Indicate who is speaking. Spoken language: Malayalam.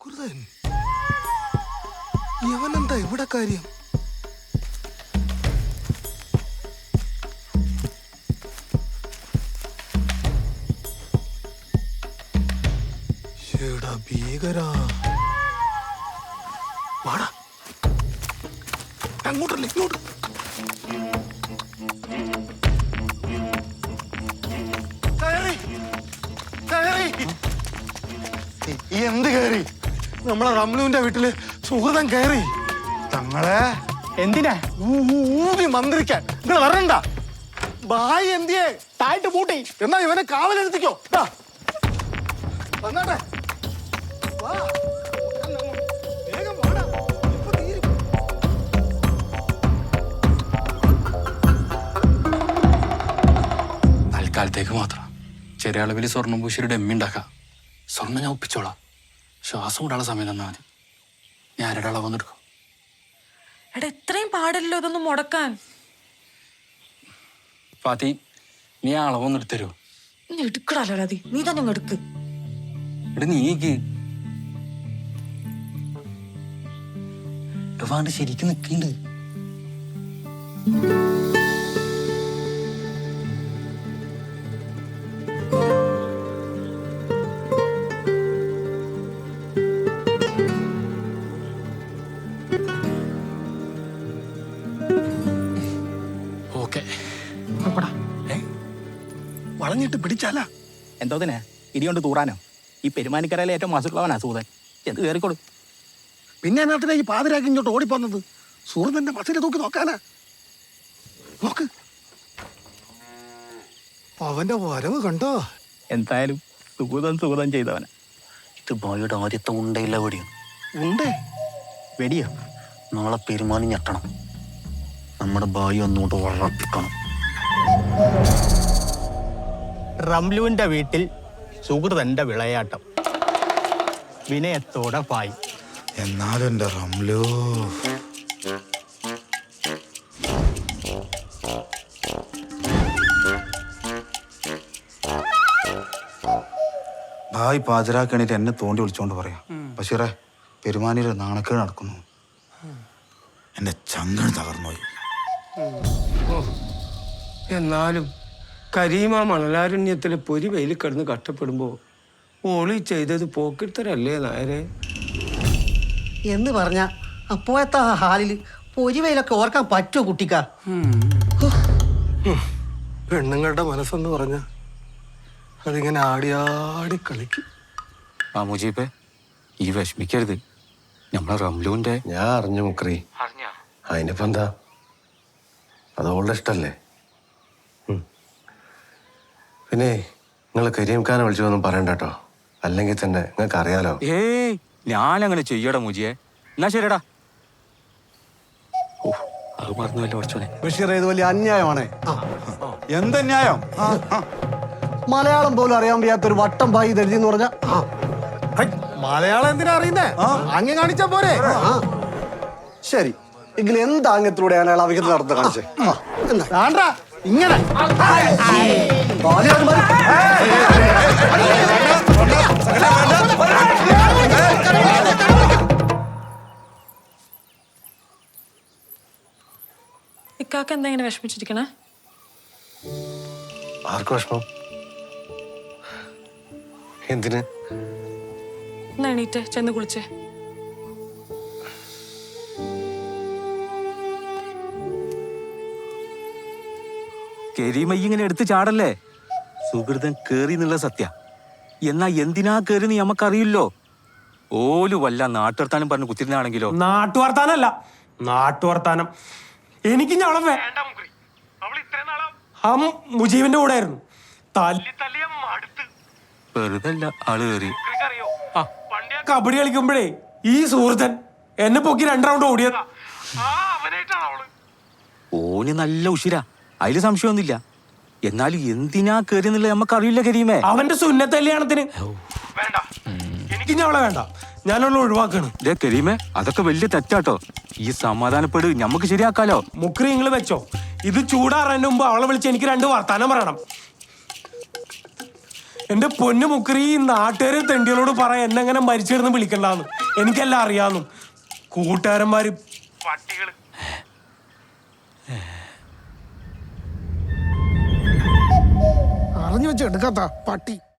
Speaker 1: സുഹൃതൻ ഇവനെന്താ ഇവിടെ കാര്യം? ഭീകരാ വാടാ, അങ്ങോട്ടല്ലേ ഇങ്ങോട്ട്. എന്ത് കയറി? നമ്മളെ റംലുവിന്റെ വീട്ടില് സുഹൃതൻ കയറി. തങ്ങളെ
Speaker 2: എന്തിനാ
Speaker 1: ഊതി മന്ത്രിക്കാൻ നിങ്ങൾ വരണ്ട. ബായി എന്തിയെ
Speaker 2: താഴ്ത്ത് പൂട്ടി.
Speaker 1: എന്നാ ഇവനെ കാവലെടുത്തിക്കോ. വന്നാട്ടെ, വേഗം വാടാ. ഇപ്പൊ തീരും.
Speaker 3: തൽക്കാലത്തേക്ക് മാത്രം ചെറിയ അളവിൽ സ്വർണ്ണം പൂശിയുടെ എമ്മി ഉണ്ടാക്കാം. സ്വർണ്ണം ഞാൻ ഒപ്പിച്ചോളാം. ശ്വാസം കൂടാനുള്ള സമയം തന്നാൽ മതി. ഞാൻ ആരുടെ അളവെന്നെടുക്കും.
Speaker 4: എടാ ഇത്രയും പാടില്ലല്ലോ ഇതൊന്നും മുടക്കാൻ.
Speaker 3: ഫാത്തി, നീ ആ അളവൊന്നും എടുത്തരുമോ?
Speaker 4: നീ എടുക്കടാലോ രാതി, നീ തന്നെ അങ്ങ് എടുക്ക്.
Speaker 3: ഇവിടെ നീക്ക് വാണ്ട് ശരിക്കും നിൽക്കുന്നുണ്ട്.
Speaker 1: വളഞ്ഞിട്ട് പിടിച്ചാല
Speaker 2: എന്തോതിനെ ഇടികൊണ്ട് തൂറാനോ? ഈ പെരുമാനിക്കരയിലെ ഏറ്റവും മാസുള്ളവനാ സൂതൻ. എന്ത് കയറിക്കോളൂ.
Speaker 1: പിന്നെ നാട്ടിലെ ഈ പാതിരാക്കി ഇങ്ങോട്ട് ഓടിപ്പോന്നത് സുഹൃത്തിന്റെ ബസ്സിനെ തൂക്കി നോക്കാനാ. നോക്ക്, അവന്റെ വരവ് കണ്ടോ?
Speaker 2: എന്തായാലും സുഗതം ചെയ്തവനാ.
Speaker 3: ഇത് ബോയുടെ ആദ്യത്തെ ഉണ്ടയില്ല വെടിയും.
Speaker 1: ഉണ്ടേ
Speaker 2: വെടിയോ?
Speaker 3: നാളെ പെരുമാനി ഞെട്ടണം. നമ്മുടെ ബായി ഒന്നുകൊണ്ട് വളർത്തിക്കണം.
Speaker 2: റംലുവിന്റെ വീട്ടിൽ സുഹൃതന്റെ വിളയാട്ടം. വിനയത്തോടെ പായി.
Speaker 1: എന്നാലും എന്റെ റംലു
Speaker 5: ഭായ് പാചരാക്കണിട്ട് എന്നെ തോണ്ടി വിളിച്ചോണ്ട് പറയാം. ബഷീറെ, പെരുമാനിയുടെ നാണക്കേട് നടക്കുന്നു. എന്റെ ചങ്കണ് തകർന്നുപോയി.
Speaker 6: എന്നാലും കരീമ മണലാരണ്യത്തിലെ പൊരി വെയിൽ കിടന്ന് കഷ്ടപ്പെടുമ്പോ ഓളി ചെയ്തത് പോക്കിത്തരല്ലേ നായരെ?
Speaker 7: എന്ന് പറഞ്ഞ അപ്പോഴത്തെ ആ ഹാലില് പൊരിവയിലൊക്കെ ഓർക്കാൻ പറ്റുമോ കുട്ടിക്കാ?
Speaker 1: പെണ്ണുങ്ങളുടെ മനസ്സെന്ന് പറഞ്ഞ അതിങ്ങനെ ആടിയാടി കളിക്കും.
Speaker 3: ആ മുജീബേ, ഈ വിഷമിക്കരുത്. നമ്മളെ റംലുവിന്റെ
Speaker 8: ഞാൻ അറിഞ്ഞു മുക്രി. അതിനിപ്പോ എന്താ, അതോളുടെ ഇഷ്ടല്ലേ. പിന്നെ നിങ്ങൾ കരീംഖാനെ വിളിച്ചൊന്നും പറയണ്ട കേട്ടോ, അല്ലെങ്കിൽ തന്നെ നിങ്ങൾക്ക് അറിയാലോ.
Speaker 3: ഏയ്, ഞാനങ്ങനെ ചെയ്യടാ മുജിയെ. എന്നാ ശരിടാ. ഓ, അത് മറന്നുവല്ലോ കുറച്ചോനെ.
Speaker 5: ബഷീറെ, ഇത് വലിയ അന്യായമാണേ. എന്തന്യായം?
Speaker 7: മലയാളം പോലും അറിയാൻ വയ്യാത്തൊരു വട്ടം ബായി ദരിദ്രം എന്ന് പറഞ്ഞ
Speaker 1: മലയാളം എന്തിനാ അറിയുന്നേ? അങ്ങ് കാണിച്ചാ പോരെ?
Speaker 5: ശരി, എങ്കിൽ എന്താങ്ങത്തിലൂടെയാണ് അയാൾ അവിഹിത നടത്തുന്നത് കാണിച്ചേ?
Speaker 1: വേണ്ട, ഇങ്ങനെ
Speaker 4: ഇക്കാക്ക എന്താ ഇങ്ങനെ വിഷമിച്ചിരിക്കണേ?
Speaker 8: ആർക്കും വിഷമം? എന്തിന്?
Speaker 4: എന്നാ എണീറ്റേ, ചെന്ന് കുളിച്ചേ.
Speaker 3: കരീമ ഇങ്ങനെ എടുത്ത് ചാടല്ലേ. സുഹൃതൻ കേറി എന്നുള്ള സത്യ. എന്നാ എന്തിനാ കേറിന്ന് നമുക്കറിയില്ലോ. ഓല് വല്ല നാട്ടുവർത്താനം പറഞ്ഞ് കുത്തിരുന്നാണെങ്കിലോ?
Speaker 6: നാട്ടുവർത്താനല്ല, നാട്ടുവർത്താനം എനിക്ക് ഞങ്ങളെ മുജീബിന്റെ കൂടെ ആയിരുന്നു.
Speaker 3: വെറുതെ അല്ല ആള് കേറി.
Speaker 6: കബഡി കളിക്കുമ്പോഴേ ഈ സുഹൃത്തൻ എന്നെ പൊക്കി 2 റൗണ്ട് ഓടിയതാ.
Speaker 3: ഓന് നല്ല ഉഷിര, അതില് സംശയമൊന്നുമില്ല. എന്നാലും എന്തിനാ കേറി എന്നുള്ളത് നമുക്കറിയില്ല കരീമേ.
Speaker 6: അവന്റെ സുന്നത്ത് കല്യാണത്തിന് എനിക്ക് ഞങ്ങളെ വേണ്ട, ഞാനുള്ള ഒഴിവാക്കാണ്.
Speaker 3: കരീമേ, അതൊക്കെ വലിയ തെറ്റാട്ടോ. ഈ സമാധാനപ്പെട്, ഞമ്മക്ക് ശരിയാക്കാലോ.
Speaker 6: മുക്രി നിങ്ങൾ വെച്ചോ, ഇത് ചൂടാറാൻ മുമ്പ് അവളെ വിളിച്ച് എനിക്ക് 2 വർത്താനം പറയണം. എന്റെ പൊന്നു മുക്കറി ഈ നാട്ടുകാരെ തെണ്ടികളോട് പറയാൻ എന്നെ അങ്ങനെ മരിച്ചിരുന്ന് വിളിക്കണ്ടാന്ന്. എനിക്കെല്ലാം അറിയാന്നു. കൂട്ടുകാരന്മാര് പട്ടികള്.
Speaker 1: അറിഞ്ഞു വെച്ച് എടുക്കാത്ത പട്ടി.